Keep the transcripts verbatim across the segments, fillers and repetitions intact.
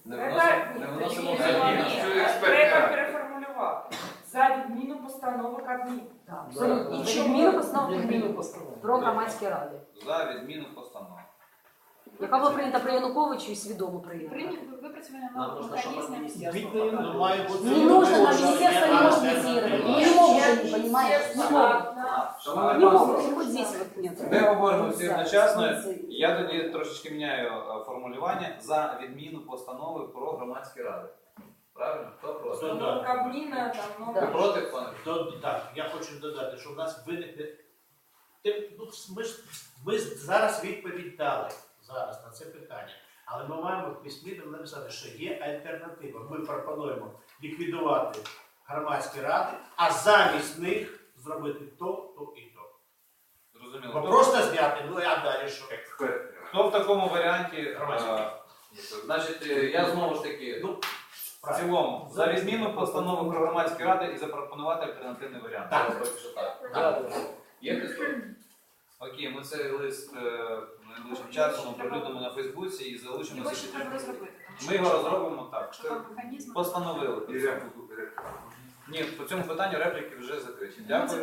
Не виносимо, не виносимо взагалі на всю експертну Треба раду. переформулювати. За відміну постанови Кабміну. І відміну постанови Кабміну про громадські ради, За відміну постанови. яка була прийнята при Януковичу і свідомо прийнята. Прийняв випрацювання нового механізму. Видно, має бути. Не нужно, нам министерство не может инициировать. Мы не могут, они, понимаешь? Не могут. Шановні Не пане, могут, вот здесь вот нет. ми говоримо всі одночасно. Я тоді трошечки міняю е, формулювання за відміну постанови про громадські ради. Правильно? Хто проти? Постанова Кабміна, там, ну, Ви проти, пане? То, так, я хочу додати, що в нас виникне. Ти- ну, Ми ж ми зараз відповідь дали зараз на це питання, але ми маємо в письмі написати, що є альтернатива. Ми пропонуємо ліквідувати громадські ради, а замість них зробити то, то і то. Зрозуміло. Бо Хто- просто зняти, ну а далі що? Хто в такому варіанті? Громадські. е, Значить, е, я знову ж таки, Ну, в цілому, за відміну постанови про громадські ради і запропонувати альтернативний варіант. Так. Поки що так. Так. Є хтось проти? Окей, ми цей лист е, найближчим часом оприлюднимо на Фейсбуці і залишимо. Його собі. ще треба розробити. тому що Ми його розробимо так. Щоб там механізм. Постановили. Ні, по цьому питанню репліки вже закриті. Дякую.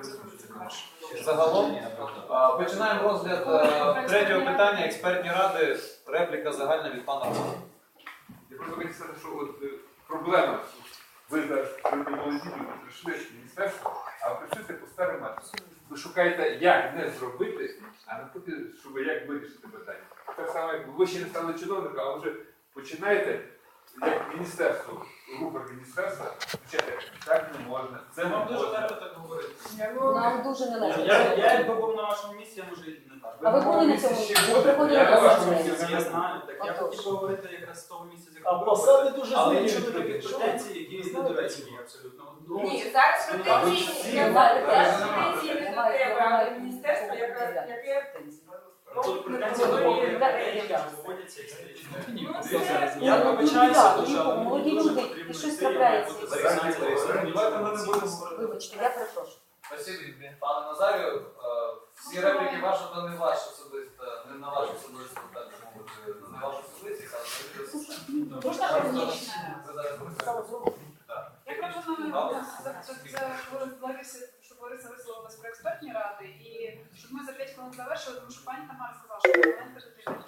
Загалом а, починаємо розгляд е, третього питання. Експертні ради. Репліка загальна від пана Романа. Я просто хочу сказати, що от е, проблема. Ви зараз молоді люди прийшли в міністерство, а працюєте по старим методам. Ви шукаєте, як не зробити, а не поки, щоб як вирішити питання. Так само, як ви ще не стали чиновником, а вже починаєте, як міністерство, рупор міністерства, почати, так не можна, це не Вам дуже можна. легко так говорити. Нам дуже не легко. Я, я якби був на вашому місці, я може і не так. А ви були на цьому місці? Ви приходили Я на на вашому конференцію? місці. Я знаю, так я Отож. хотів поговорити якраз з того місця, з А якого ви посади говорите. дуже Але змінюють. я чую такі Що претензії, які недоречні абсолютно. Ну, Ні, зараз ну, претензії, Немає зараз претензій. претензії не до Немає- тебе, немає а до міністерства, яке, яке претензій. Тут претензії до робить мови, речі. які виводяться історично. Ну, Дивіться, це- Я Ну, вибачаюся так, дуже, ну, але молоді мені дуже люди, потрібно і щось йти, я маю трапляється. бути зареєстрований. Давайте ми не будемо Вибачте, я перепрошую. Спасибі, пане Назарію. Е, Всі репліки ваші, то не ваші особисто, не на вашу особисто, так мовити, не вашу особистість, але ви Можна публічно? зараз Так. Я пропоную за- за- за Ларисі, щоб Лариса висловилась про експертні ради, і щоб ми за п'ять хвилин завершили, тому що пані Тамара сказала, що парламент каже,